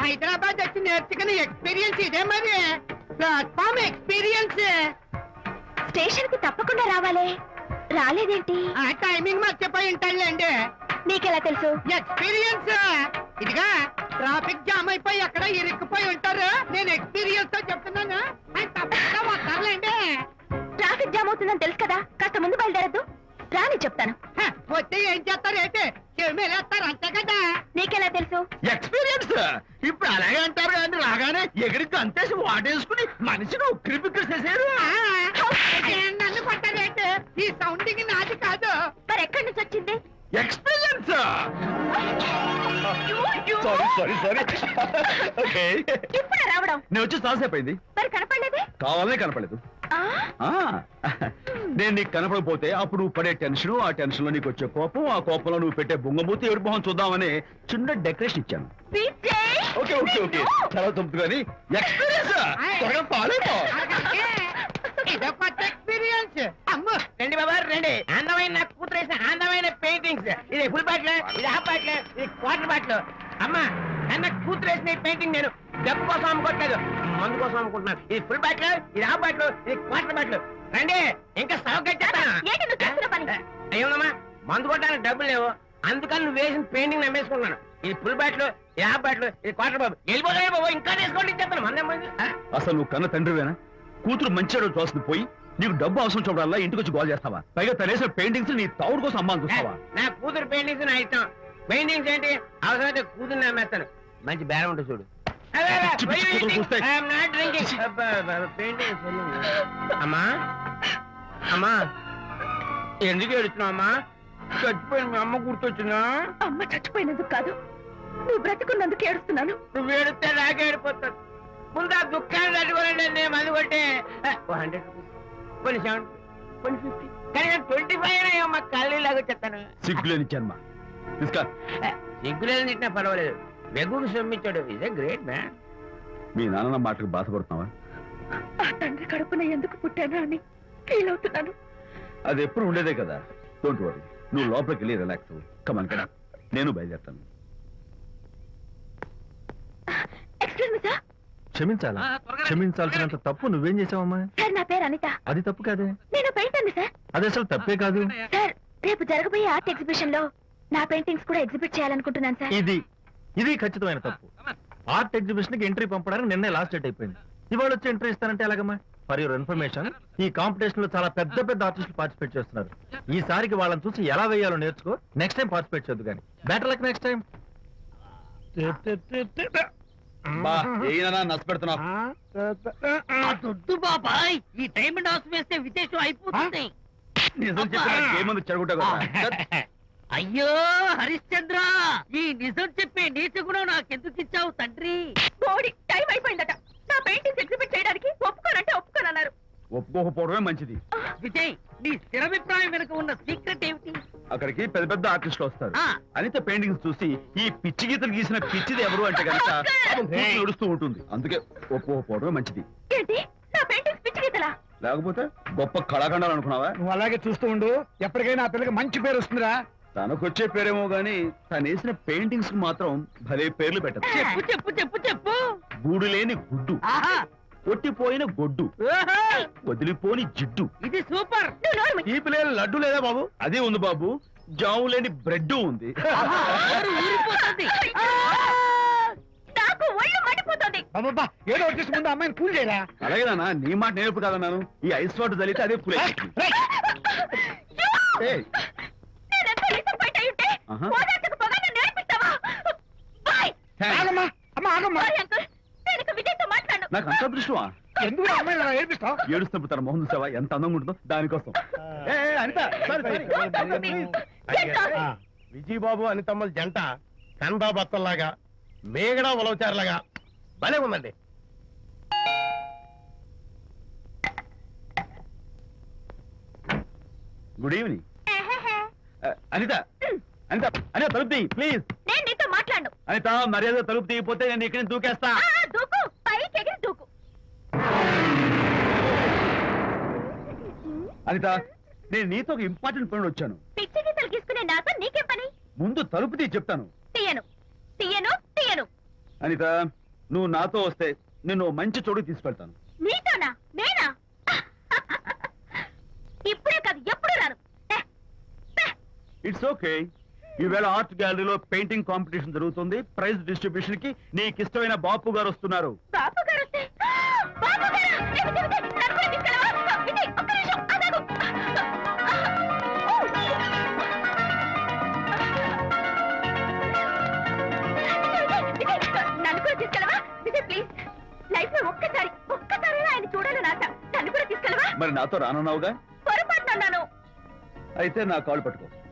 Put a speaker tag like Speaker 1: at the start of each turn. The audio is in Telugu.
Speaker 1: హైదరాబాద్ వచ్చి నేర్చుకున్న ఎక్స్పీరియన్స్ ఇదే మరి. Platform experience.
Speaker 2: స్టేషన్ కి తప్పకుండా రావాలే, రాలేదేంటి?
Speaker 1: ఆ టైమింగ్ మర్చిపోయి ఉంటాడులేండి.
Speaker 2: నీకెలా తెలుసు?
Speaker 1: ఎక్స్పీరియన్స్. ఇదిగా ట్రాఫిక్ జామ్ అయిపోయి ఎక్కడ ఇరుక్కుపోయి ఉంటారు. నేను ఎక్స్పీరియన్స్ తో చెప్తున్నాను. ఆయన తప్పకుండా వస్తారులేండి.
Speaker 2: ట్రాఫిక్ జామ్ అవుతుందని తెలుసు కదా, కాస్త ముందు బయలుదేరద్దు. రాని చెప్తాను.
Speaker 1: వస్తే ఏం చేస్తారు ఏంటి? చెమేలేస్తారు అంతే కదా.
Speaker 2: నీకెలా తెలుసు?
Speaker 3: ఎక్స్పీరియన్స్. ఇప్పుడు అలాగే అంటారు కానీ రాగానే ఎగిరికి అంతేసి వాటేసుకుని మనిషిని ఉక్కిరి బిక్కిరి చేశారు.
Speaker 1: నన్ను కొట్టారేంటి? ఈ సౌండింగ్ నాది కాదు.
Speaker 2: మరి ఎక్కడి నుంచి వచ్చింది?
Speaker 3: ఎక్స్పీరియన్స్. Sorry okay.
Speaker 2: ఇప్పుడు రావడం
Speaker 3: నేను వచ్చి చాలాసేపు అయింది.
Speaker 2: మరి కనపడలేదే?
Speaker 3: కావాలనే కనపడలేదు. నేను నీకు కనపడకపోతే అప్పుడు నువ్వు పడే టెన్షన్, ఆ టెన్షన్ లో నీకు వచ్చే కోపం, ఆ కోపంలో నువ్వు పెట్టే బొంగమూతి ఏడు మొహం చూద్దామని చిన్న డెకరేషన్ ఇచ్చాను. ఓకే ఓకే ఓకే చాలా తప్పు కానీ ఎక్స్పీరియన్స్. త్వరగా పాలేపో.
Speaker 1: ఇదో కొత్త ఎక్స్పీరియన్స్. అమ్ము
Speaker 4: రండి బాబా రండి. అందమైన నాకు కూతురు వేసిన అందమైన పెయింటింగ్స్. ఇది ఫుల్ బాటిల్, ఇది హాఫ్ బాటిల్, ఇది క్వార్టర్ బాటిల్. అమ్మా అన్న కూతురు వేసిన ఈ నేను డబ్బు కోసం అమ్ముకోవట్లేదు, మందు కోసం అమ్ముకుంటున్నాను. ఇది ఫుల్ బాటిల్, ఇది హాఫ్ బాటిల్, ఇది క్వార్టర్ బాటిల్. రండి ఇంకా అయ్యోనమ్మా మందు కొట్టడానికి డబ్బులు లేవు, అందుకని నువ్వు వేసిన పెయింటింగ్ నమ్మేసుకుంటున్నాను. ఇది ఫుల్ బాటిల్, ఇది హాఫ్ బాటిల్, ఇది క్వార్టర్ బాబు. వెళ్ళిపోతాయి బాబు, ఇంకా తీసుకోండి చెప్తాను. మందం
Speaker 3: అసలు నువ్వు కన్న తండ్రివేనా? కూతురు మంచిగా చూస్తుంది పోయి నీకు డబ్బు అవసరం చూడాలా ఇంటికి వచ్చి గోల్ చేస్తావా? పైగా తనేసిన పెయింటింగ్స్ నీ తౌడు కోసం అమ్మాని చూస్తావా?
Speaker 4: నా కూతురు పెయింటింగ్స్ నా ఇష్టం. పెయింటింగ్స్ ఏంటి అవసరమైతే కూతురు నమ్మేస్తాను. మంచి బేరం ఉంటుంది చూడు. అమ్మా అమ్మా ఎందుకు ఏడుస్తున్నావు అమ్మా? చచ్చిపోయిన మీ అమ్మ గుర్తొచ్చిందా?
Speaker 2: అమ్మ చచ్చిపోయినందుకు కాదు, నువ్వు బ్రతుకున్నందుకు ఏడుస్తున్నాను.
Speaker 4: నువ్వు ఏడితే నాకే ఏడిపోతాను. ముందు ఆ దుఃఖాన్ని తట్టుకోనండి. నేను మంది కొట్టే 100 కొన్ని 70 కొన్ని 50 కానీ 25 అయ్యమ్మా కళ్ళు లాగా చెప్తాను.
Speaker 3: సిగ్గులేని జన్మ.
Speaker 4: సిగ్గులేదు తిట్టినా పర్వాలేదు, వెగుడు సొమ్మించాడు. Is a great man.
Speaker 3: మీ నాన్న మాటకు బాధపడుతున్నావా?
Speaker 2: ఆ తండ్రి కడుపున ఎందుకు పుట్టానా అని ఫీల్ అవుతున్నాను.
Speaker 3: అది ఎప్పుడు ఉండేదే కదా. డోంట్ వరీ, నువ్వు లోపలికి వెళ్ళి రిలాక్స్ అవ్వు. కమాన్ కదా, నేను బయలుదేరుతాను.
Speaker 2: Excuse me sir.
Speaker 5: క్షమించాలా? క్షమించాల్సినంత తప్పు నువ్వేం చేసావమ్మా?
Speaker 2: సార్ నా పేరు అనిత.
Speaker 5: అది తప్పు కాదే.
Speaker 2: నేను పెయింటర్ సార్.
Speaker 5: అది అసలు తప్పే కాదు
Speaker 2: సార్. రేపు జరగబోయే ఆర్ట్ ఎగ్జిబిషన్ లో నా పెయింటింగ్స్ కూడా ఎగ్జిబిట్ చేయాలనుకుంటున్నాను సార్.
Speaker 5: ఇది ఖచ్చితమైన తప్పు. ఆర్ట్ ఎగ్జిబిషన్ కి ఎంట్రీ పంపడానికి నిన్నే లాస్ట్ డేట్ అయిపోయింది. ఇవాళ వచ్చి ఎంట్రీ ఇస్తానంటే ఎలాగమ్మా? ఫర్ యువర్ ఇన్ఫర్మేషన్, ఈ కాంపిటీషన్ లో చాలా పెద్ద పెద్ద ఆర్టిస్టులు పార్టిసిపేట్ చేస్తున్నారు. ఈసారికి వాళ్ళని చూసి ఎలా వేయాలో నేర్చుకో. నెక్స్ట్ టైం పార్టిసిపేట్ చేయొద్దు కానీ. Better luck next time.
Speaker 3: నష్టపెడుతున్నావు.
Speaker 1: బాబాయ్ ఈ డైమండ్ హౌస్ వేస్తే విదేశం అయిపోతుంది.
Speaker 3: నిజం చెప్పి చెడగొట్టా.
Speaker 1: అయ్యో హరిశ్చంద్ర, ఈ నిజం చెప్పే నీతి గుణం నాకెందుకు ఇచ్చావు తండ్రి?
Speaker 2: బోడి టైం అయిపోయిందట. నా పెయింటింగ్స్ ఎగ్జిబిట్ చేయడానికి ఒప్పుకోనంటే ఒప్పుకోనన్నారు.
Speaker 3: ఒప్పుకోకపోవడమే మంచిది.
Speaker 1: విజయ్, నీ స్థిరాభిప్రాయం వెనుక ఉన్న సీక్రెట్ ఏమిటి?
Speaker 3: అక్కడికి పెద్ద పెద్ద ఆర్టిస్టులు వస్తారు. అనిత పెయింటింగ్స్ చూసి ఈ పిచ్చి గీతలు గీసిన పిచ్చిది ఎవరు అంటే కనుక నడుస్తూ ఉంటుంది. అందుకే ఒప్పుకోకపోవడమే మంచిది.
Speaker 2: ఏంటి నా పెయింటింగ్స్ పిచ్చి గీతలా?
Speaker 3: లేకపోతే గొప్ప కళాఖండాలు అనుకున్నావా?
Speaker 6: నువ్వు అలాగే చూస్తూ ఉండు, ఎప్పటికైనా ఆ పిల్లకి మంచి పేరు వస్తుందిరా.
Speaker 3: తనకొచ్చే పేరేమో గాని తను వేసిన పెయింటింగ్స్ కు మాత్రం భలే పేర్లు పెట్టదు.
Speaker 1: చెప్పు చెప్పు చెప్పు చెప్పు.
Speaker 3: గూడు లేని గుడ్డు, కొట్టిపోయిన గొడ్డు, వదిలిపోని జిడ్డు.
Speaker 1: ఇది సూపర్.
Speaker 3: ఈ పిల్లలు లడ్డు లేదా బాబు? అదే ఉంది బాబు. జాము లేని బ్రెడ్ ఉంది.
Speaker 2: నాకు ఒళ్ళు మండిపోతుంది.
Speaker 6: అబ్బబ్బా, ఏదో వచ్చేసి ముందు అమ్మాయిని కూల్ చేయరా.
Speaker 3: అలాగేనా? నీ మాట నేర్పు కాదన్నాను. ఈ ఐస్ వాటర్ చల్లితే అదే కూల్. నాకు అంత అదృష్టమా?
Speaker 6: ఎందుకు అమ్మాయిని ఏడిపిస్తావు?
Speaker 3: ఏడుస్తున్నప్పుడు తన మొహం చూసావా ఎంత అందంగా ఉంటుందో? దానికోసం.
Speaker 7: విజయబాబు అనితమ్మల జంట కందా బత్తల్లాగా మేగడా ఉలవచారులాగా భలే ఉందండి.
Speaker 3: Good evening. అనిత అనిత అనిత తలుపు తీయి ప్లీజ్.
Speaker 2: నేను నీతో మాట్లాడను.
Speaker 3: అనిత మర్యాద తలుపు తీయకపోతే నేను ఇక్కడ దూకేస్తా.
Speaker 2: దూకు, పైకి ఎగిరి దూకు.
Speaker 3: అనిత, నేను నీతో ఒక ఇంపార్టెంట్ పని వచ్చాను.
Speaker 2: పిచ్చి గీతలు గీసుకునే నాతో నీకేం పని?
Speaker 3: ముందు తలుపు తీయి చెప్తాను.
Speaker 2: తీయను తీయను తీయను.
Speaker 3: అనిత నువ్వు నాతో వస్తే నిన్ను ఓ మంచి చోటుకి తీసుకెళ్తాను.
Speaker 2: నీతోనా? నేనా? ఇప్పుడే కాదు, ఎప్పుడు రాను.
Speaker 3: It's okay. ఈవేళ ఆర్ట్ గ్యాలరీలో పెయింటింగ్ కాంపిటీషన్ జరుగుతుంది. ప్రైజ్ డిస్ట్రిబ్యూషన్ కి నీకు ఇష్టమైన బాపు గారు వస్తున్నారు.
Speaker 2: బాబు గారు వస్తే, బాబు గారు! ఏమిటి, ఏమిటి? నన్ను కూడా తీసుకెళ్ళవా? విజయ్, ఒక్క నిమిషం, ఆగాగు. విజయ్, నన్ను కూడా తీసుకెళ్ళవా? విజయ్, ప్లీజ్. లైఫ్ లో ఒక్కసారి ఆయన చూడాలని ఆశ. నన్ను కూడా తీసుకెళ్ళవా?
Speaker 3: మరి నాతో రానున్నావుగా?
Speaker 2: పొరపాటున అన్నాను.
Speaker 3: అయితే నా కాళ్ళు పట్టుకో.